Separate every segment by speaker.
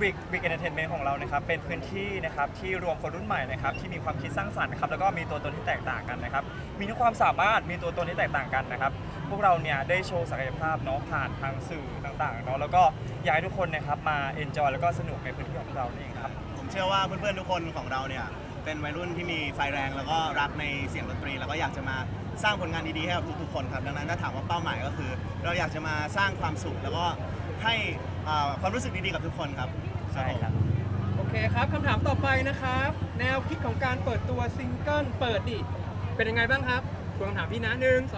Speaker 1: Big Entertainment ของเรานะครับเป็นพื้นที่นะครับที่รวมคนรุ่นใหม่นะครับที่มีความคิดสร้างสรรค์นะครับแล้วก็มีตัวตนที่แตกต่างกันนะครับมีทั้งความสามารถมีตัวตนที่แตกต่างกันนะครับพวกเราเนี่ยได้โชว์ศักยภาพเนาะผ่านทางสื่อต่างๆเนาะแล้วก็อยากให้ทุกคนนะครับมา enjoy แล้วก็สนุกในพื้นที่ของเราเองครับ
Speaker 2: ผมเชื่อว่าเพื่อนๆทุกคนของเราเนี่ยเป็นวัยรุ่นที่มีไฟแรงแล้วก็รักในเสียงดนตรีแล้วก็อยากจะมาสร้างผลงานดีๆให้กับทุกๆคนครับดังนั้นถ้าถามว่าเป้าหมายก็คือ เราอยากจะมาสร้างความสุขแล้วก็ให้ความรู้สึกดีๆกับทุกคนครับ
Speaker 1: ใช่ครับ
Speaker 3: โอเคครับคำถามต่อไปนะครับแนวคิดของการเปิดตัวซิงเกิลเปิดดิเป็นยังไงบ้างครับทวนคำถามพี่นะ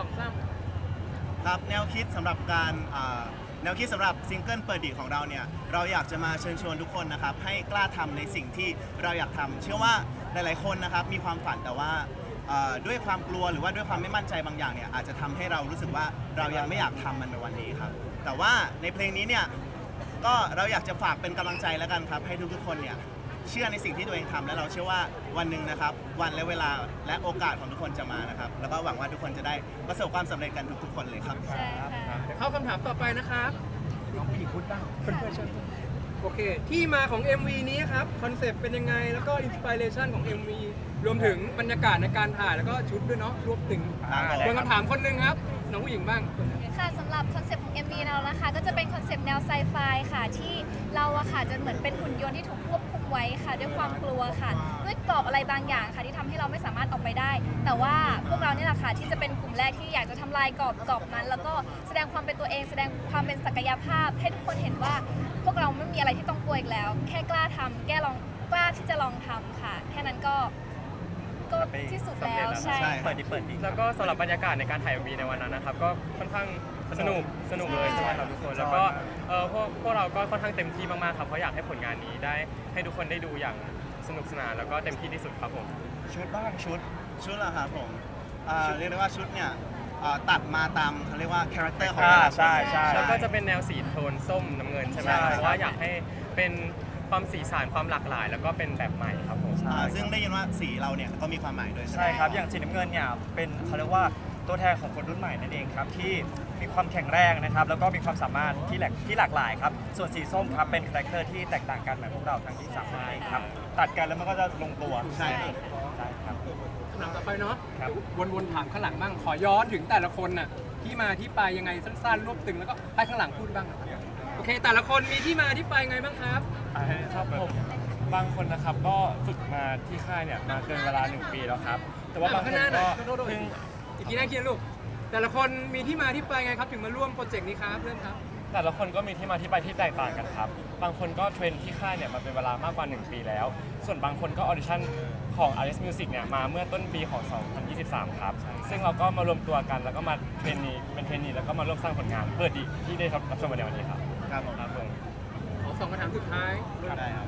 Speaker 3: 1 2 3
Speaker 2: ครับแนวคิดสำหรับการแนวคิดสำหรับซิงเกิลเปิดดีของเราเนี่ยเราอยากจะมาเชิญชวนทุกคนนะครับให้กล้าทำในสิ่งที่เราอยากทำเชื่อว่าหลายๆคนนะครับมีความฝันแต่ว่าด้วยความกลัวหรือว่าด้วยความไม่มั่นใจบางอย่างเนี่ยอาจจะทำให้เรารู้สึกว่าเรายังไม่อยากทำมันในวันนี้ครับแต่ว่าในเพลงนี้เนี่ยก็เราอยากจะฝากเป็นกำลังใจแล้วกันครับให้ทุกๆคนเนี่ยเชื่อในสิ่งที่ตัวเองทำและเราเชื่อว่าวันหนึ่งนะครับวันและเวลาและโอกาสของทุกคนจะมานะครับแล้วก็หวังว่าทุกคนจะได้ประสบความสำเร็จกันทุกๆคนเลยครับ
Speaker 4: ใช่ค่ะ
Speaker 3: เข้าคำถามต่อไปนะครับน้องผู้หญิงพูดบ้างเพื่อนๆเชิญโอเคที่มาของ MV นี้ครับคอนเซปต์เป็นยังไงแล้วก็อินสปิเรชันของ MV รวมถึงบรรยากาศในการถ่ายแล้วก็ชุดด้วยเนาะรวมถึงคนคำถามคนหนึ่งครับน้องผู้หญิงบ้าง
Speaker 4: ค่ะสำหรับคอนเซปต์ของ MV เรานะคะก็จะเป็นคอนเซปต์แนวไซไฟค่ะที่เราอะค่ะจะเหมือนเป็นหุ่นยนต์ที่ถูกควบคุมไว้ค่ะด้วยความกลัวค่ะด้วยกรอบอะไรบางอย่างค่ะที่ทำให้เราไม่สามารถออกไปได้แต่ว่าพวกเราเนี่ยแหละค่ะที่จะเป็นกลุ่มแรกที่อยากจะทำลายกรอบนั้นแล้วก็แสดงความเป็นตัวเองแสดงความเป็นศักยภาพให้ทุกคนเห็นว่าพวกเราไม่มีอะไรที่ต้องกลัวอีกแล้วแค่กล้าทำกล้าที่จะลองทำค่ะแค่นั้นก็ที่สุดแล้วใช่
Speaker 1: เปิดดิ
Speaker 5: แล้วก็สำหรับบรรยากาศในการถ่าย MV ในวันนั้นนะครับก็ค่อนข้างสนุกเลยใช่ไหมครับทุกคนแล้วก็พวกเราก็ค่อนข้างเต็มที่มากๆครับเพราะอยากให้ผลงานนี้ได้ให้ทุกคนได้ดูอย่างสนุกสนานแล้วก็เต็มที่ที่สุดครับผม
Speaker 1: ชุดบ้างชุด
Speaker 2: เหรอครับผมเรียกได้ว่าชุดเนี่ยตัดมาตามเขาเรียกว่าคาแรคเตอร์ของเรา
Speaker 1: ใช่
Speaker 5: แล้วก็จะเป็นแนวสีโทนส้มน้ำเงินใช่ไหมเพราะว่าอยากให้เป็นความสีสันความหลากหลายแล้วก็เป็นแบบใหม่ครับผม
Speaker 2: ซึ่งได้ยินว่าสีเราเนี่ยก็มีความหมายด้วย
Speaker 1: ใช่ครับอย่างสีน้ำเงินเนี่ยเป็นเขาเรียกว่าตัวแทนของคนรุ่นใหม่นั่นเองครับที่มีความแข็งแรงนะครับแล้วก็มีความสามารถที่หลากหลายครับส่วนสีส้มครับเป็นคาแรคเตอร์ที่แตกต่างกันเหมือนพวกเราทั้งที่3คนเองครับตัดกันแล้วมันก็จะลงตัว
Speaker 2: ใช่
Speaker 1: ครับ
Speaker 3: คำถามต่อไปเนาะ
Speaker 1: ครับ
Speaker 3: วนๆถามข้างหลังบ้างขอย้อนถึงแต่ละคนน่ะที่มาที่ไปยังไงสั้นๆรวบตึงแล้วก็ให้ข้างหลังพูดบ้างโอเคแต่ละคนมีที่มาที่ไปไงบ้างครับ
Speaker 5: ครับผมบางคนนะครับก็ฝึกมาที่ค่ายเนี่ยมาเกินเวลา1 ปีแล้วครับแต่ว่าบางคนก็เพิ่ง
Speaker 3: อีกทีน่าเคียนลูกแต่ละคนมีที่มาที่ไปไงครับถึงมาร่วมโปรเจกต์นี้ครับเพื่อนครับ
Speaker 5: แต่ละคนก็มีที่มาที่ไปที่แตกต่างกันครับบางคนก็เทรนที่ค่ายเนี่ยมาเป็นเวลามากกว่า1 ปีแล้วส่วนบางคนก็ออดิชั่นของ RS Music เนี่ยมาเมื่อต้นปีของ2023ครับซึ่งเราก็มารวมตัวกันแล้วก็มาเป็นเทรนนีแล้วก็มาร่วมสร้างผลงานเปิดดีที่ได้รับชมในวันนี้ครับ
Speaker 2: ครับผม
Speaker 3: ขอ2 คำถามสุดท้าย
Speaker 2: ได้ครับ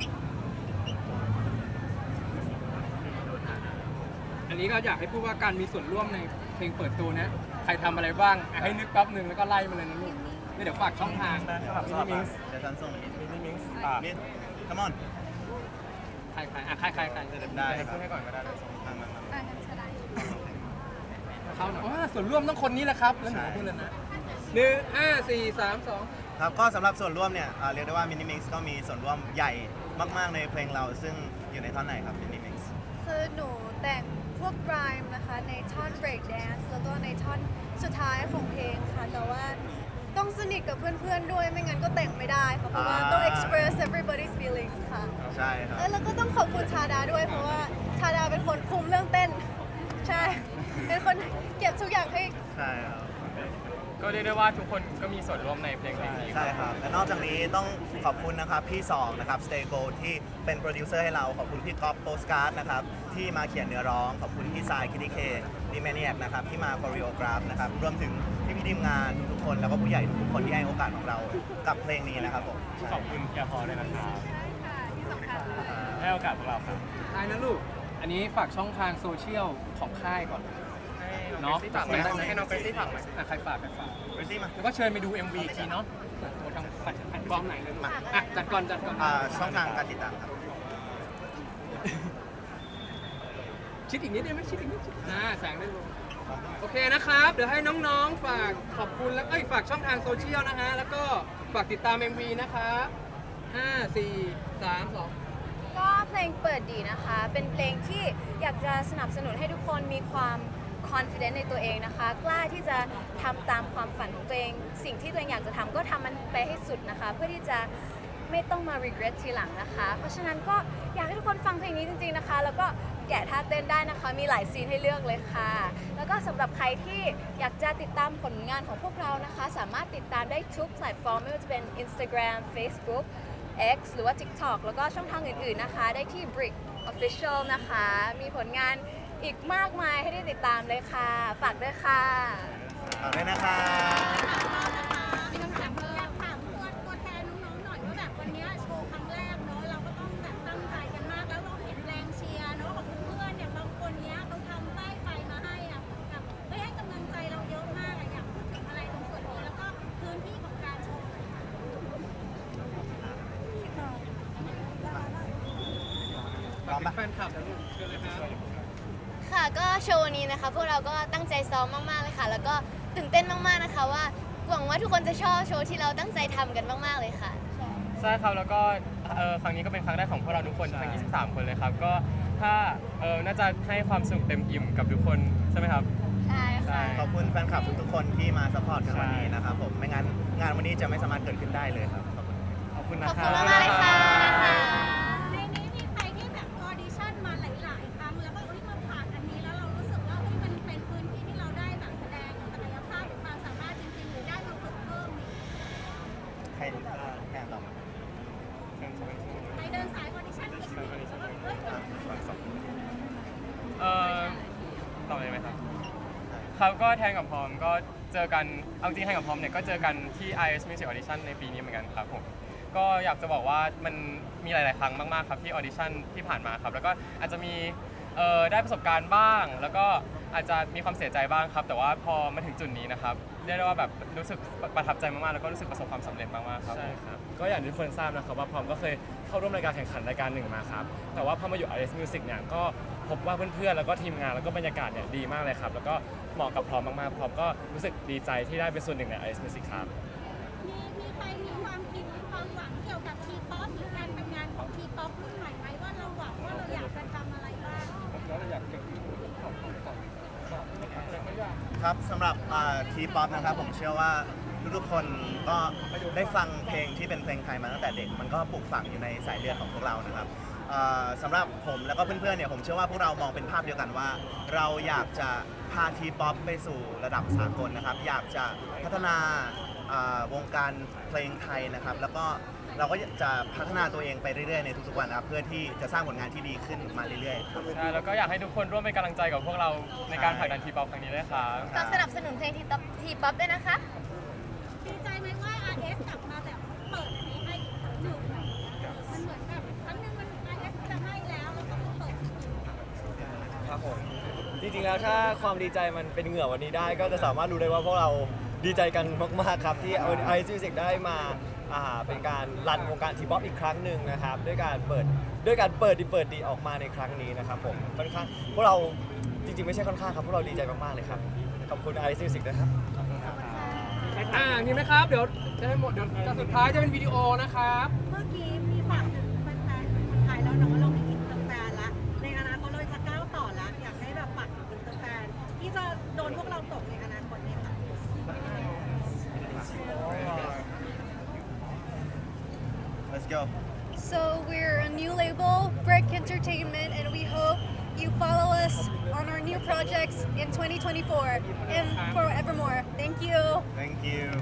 Speaker 3: อันนี้ก็อยากให้พูดว่าการมีส่วนร่วมในเพลงเปิดตัวนะใครทำอะไรบ้างให้นึกแป๊บนึงแล้วก็ไล่มาเลยนะลูกเดี๋ยวฝากช่องทาง
Speaker 1: มินิมิงส์
Speaker 2: เดี๋ยวฉันส่งมินิมิงส์
Speaker 1: มิส
Speaker 2: คัมอน
Speaker 3: ใคร
Speaker 2: ได้
Speaker 5: พูดให้ก่อนก็ได้เลย
Speaker 2: มา
Speaker 3: เขาหน่อยส่วนร่วมต้องคนนี้แหละครับแล้วหนูพูดเลยนะ1 5 4 3 2
Speaker 2: ครับก็สำหรับส่วนร่วมเนี่ยเรียกได้ว่ามินิมิงส์ก็มีส่วนร่วมใหญ่มากๆในเพลงเราซึ่งอยู่ในท่อนไหนครับมินิมิงส์
Speaker 6: คือหนูแต่งพวกไรม์นะคะในท่อน break dance แล้วก็ในท่อนสุดท้ายของเพลงค่ะแต่ว่าต้องสนิทกับเพื่อนๆด้วยไม่งั้นก็แต่งไม่ได้ค่ะเพราะว่าต้อง express everybody's feelings ค่ะ
Speaker 2: ใช่ครับ
Speaker 6: แล้วก็ต้องขอบคุณชาดาด้วยเพราะว่าชาดาเป็นคนคุมเรื่องเต้นใช่เป็นคนเก็บทุกอย่างให้
Speaker 2: ใช่ครับ
Speaker 5: ก็เรียกได้ว่าทุกคนก็มีส่วนร่วมในเพลงนี้
Speaker 2: ใช่ครับและนอกจากนี้ต้องขอบคุณนะครับพี่2นะครับ Stay Gold ที่เป็นโปรดิวเซอร์ให้เราขอบคุณพี่ก๊อฟโปสการ์ดนะครับที่มาเขียนเนื้อร้องขอบคุณพี่ทรายคิดดิเคดีแมเนียกนะครับที่มาโคเรียกราฟนะครับรวมถึงพี่ทีมงานทุกคนแล้วก็ผู้ใหญ่ทุกคนที่ให้โอกาสของเรากับเพลงนี้นะครับผม
Speaker 5: ขอบคุณแกพอเลยนะครับให้โอกาสพวกเราครับ
Speaker 3: ใช่นะลูกอันนี้ฝากช่องทางโซเชียลของค่ายก่อน
Speaker 5: เนาะให้น้องเฟซซี่ฝากไหม
Speaker 3: ใครฝาก
Speaker 2: เฟซซี่มา
Speaker 3: แล้วก็เชิญไปดู MV อีกทีเนาะทางแพลตฟอร์มไหนเลยมาจัดก่อน
Speaker 2: ช่องทางการติดตามครับ
Speaker 3: ชิดอีกนิดได้ไหมชิดอีกนิดแสงได้ลงโอเคนะครับเดี๋ยวให้น้องๆฝากขอบคุณแล้วฝากช่องทางโซเชียลนะฮะแล้วก็ฝากติดตาม MV นะครับ5 4 3 2
Speaker 6: ก็เพลงเปิดดีนะคะ เป็นเพลงที่อยากจะสนับสนุนให้ทุกคนมีความ confident ในตัวเองนะคะ กล้าที่จะทำตามความฝันของตัวเอง สิ่งที่ตัวเองอยากจะทำก็ทำมันไปให้สุดนะคะ เพื่อที่จะไม่ต้องมา regret ทีหลังนะคะ เพราะฉะนั้นก็อยากให้ทุกคนฟังเพลงนี้จริงๆนะคะ แล้วก็แกะท่าเต้นได้นะคะ มีหลายซีนให้เลือกเลยค่ะ แล้วก็สำหรับใครที่อยากจะติดตามผลงานของพวกเรานะคะ สามารถติดตามได้ทุกแพลตฟอร์มไม่ว่าจะเป็น Instagram Facebook X หรือว่า TikTok แล้วก็ช่องทางอื่นๆนะคะ ได้ที่ Brick Official นะคะ มีผลงานอีกมากมายให้ได้ติดตามเลยค่ะ ฝากด้วยค่ะ
Speaker 2: ฝากด้วยนะคะ
Speaker 7: มีคำถามเพิ่มอยากถามตัวแทนน้องๆหน่อยว่าแบบวันเนี้ยโชว์ครั้งแรกเนอะเราก็ต้องแบบตั้งใจกันมากแล้วเราเห็นแรงเชียร์เนอะของเพื่อนๆเนี่ยบางคนเนี้ยเขาทำป้ายไฟมาให้อ่ะแบบไม่ให้กำลังใจเราเยอะมากอะอยากพูดถึงอะไรตรงส่วนนี้แล้วก็พื้นที่ของการโชว์หน่อยค่ะ
Speaker 2: พร้อมปะ
Speaker 3: แฟนคลับนะลูกเชิญเลยครับ
Speaker 8: ค่ะก็โชว์วันนี้นะคะพวกเราก็ตั้งใจซ้อมมากๆเลยค่ะ แล้วก็ตื่นเต้นมากๆนะคะว่าหวังว่าทุกคนจะชอบโชว์ที่เราตั้งใจทำกันมากๆเลยค่ะ
Speaker 5: ใช่ครับแล้วก็ครั้งนี้ก็เป็นครั้งแรกของพวกเราทุกคนทั้ง 23 คนเลยครับ ก็ถ้าน่าจะให้ความสนุกเต็มอิ่มกับทุกคนใช่ไหมครับ
Speaker 8: ใช่ค่ะ
Speaker 2: ขอบคุณแฟนคลับทุกๆคนที่มาซัพพอร์ตกันวันนี้นะครับผม ไม่งั้นงานวันนี้จะไม่สามารถเกิดขึ้นได้เลยครับ ขอบคุณ
Speaker 5: ขอบคุณนะ
Speaker 8: ขอบ
Speaker 5: ครั
Speaker 8: คุณมากๆเลยค่ะ
Speaker 7: ในนี้มีใครที่แบบออดิชั่นมาหลายๆครั้งแล้วก็มาผ่านอันนี้แล้วเรารู้สึกว่ามันเป็นพื้นที่ที่เราได้แบบแสดงศักยภาพหรือความสามารถจริงๆหรือได้มาฝึกเพิ่ม
Speaker 2: ใครแข่งต่อมา
Speaker 7: ไปเดินสายออดิชั่นอีกแล้วก็เฮ้ย
Speaker 5: ต่อเลยไหมครับ ครับก็แทนกับพร้อมก็เจอกันเอาจริงแทนกับพร้อมเนี่ยก็เจอกันที่ IS Music Audition ในปีนี้เหมือนกันครับผมก็อยากจะบอกว่ามันมีหลาย ๆ ครั้งมาก ๆ ครับที่ audition ที่ผ่านมาครับแล้วก็อาจจะมีได้ประสบการณ์บ้าง แล้วก็อาจจะมีความเสียใจบ้างครับ แต่ว่าพอมาถึงจุดนี้นะครับเรียกได้ว่าแบบรู้สึกประทับใจมาก ๆ แล้วก็รู้สึกประสบความสำเร็จมาก ๆ ครับ
Speaker 9: ใช่ครับ ก็อย่างที่ทุกคนทราบนะครับว่าพร้อมก็เคยเข้าร่วมรายการแข่งขันรายการหนึ่งมาครับ แต่ว่าพอมาอยู่ RS Music เนี่ยก็พบว่าเพื่อนๆ แล้วก็ทีมงานแล้วก็บรรยากาศเนี่ยดีมากเลยครับ แล้วก็เหมาะกับพร้อมมากๆ พร้อมก็รู้สึกดีใจที่ได้เป็นส่วนหนึ่งใน RS Music ครับ
Speaker 7: มีใครมีความคิดความหวังเกี่ยวกับทีป๊อปหรือการทำงานของทีป๊อปรุ่นใหม่ไหมว่าเราหวังว่าเราอยากจะทำอะไรบ้าง
Speaker 2: ครับสำหรับทีป๊อปนะครับผมเชื่อว่าทุกๆคนก็ได้ฟังเพลงที่เป็นเพลงไทยมาตั้งแต่เด็ก มันก็ปลูกฝังอยู่ในสายเลือดของพวกเรานะครับสำหรับผมแล้วก็เพื่อนๆเนี่ยผมเชื่อว่าพวกเรามองเป็นภาพเดียวกันว่า เราอยากจะพาทีป๊อปไปสู่ระดับสากลนะครับ อยากจะพัฒนาวงการเพลงไทยนะครับ แล้วก็เราก็จะพัฒนาตัวเองไปเรื่อยๆในทุกๆวันนะครับเพื่อที่จะสร้างผลงานที่ดีขึ้นมาเรื่อยๆครับ
Speaker 5: ใช่แล้วก็อยากให้ทุกคนร่วมเป็นกำลังใจกับพวกเราในการผลักดันทีป๊อปครั้งนี้ด้วยครับ
Speaker 8: ฝากสนับสนุนเพลงทีป๊อปด้วยนะคะ
Speaker 7: ดีใจไหมว่า RS กลับมาแบบเปิดอันนี้ให้อีกครั้งหนึ่งมันเหมือนแบบครั้งหนึ่งมัน RS จะให้แล้วแล้วก็มาเปิดอีกที
Speaker 9: ครับผมจริงๆแล้วถ้าความดีใจมันเป็นเหงื่อวันนี้ได้ ก็จะสามารถรู้ได้ว่าพวกเราดีใจกันมากๆครับที่ไอซ์มิวสิกได้มาเป็นการรันวงการทีป๊อปอีกครั้งหนึ่งนะครับด้วยการเปิดดีออกมาในครั้งนี้นะครับผมค่อนข้างพวกเราจริงๆไม่ใช่ค่อนข้างครับพวกเราดีใจมากๆเลยครับขอบคุณไอซ์มิวสิกนะครับ
Speaker 3: มีไหมครับ เดี๋ยวจะให้หมด เดี๋ยวจะสุดท้ายจะเป็นวิดีโอนะครับ
Speaker 7: เมื่อกี้มีฝากถึงแฟนๆคนไทยแล้วเนาะเรามีอินเตอร์แฟนละในอนาคตเราจะก้าวต่อละอยากให้แบบฝากถึงอินเตอร์แฟนที่จะโดนพวกเราตกในอนาคตเนี่ยค่ะ
Speaker 2: Let's go
Speaker 6: So we're a new label, Brick Entertainment, and we hope you follow us on our new projects in 2024 and forevermore. Thank you.
Speaker 2: Thank you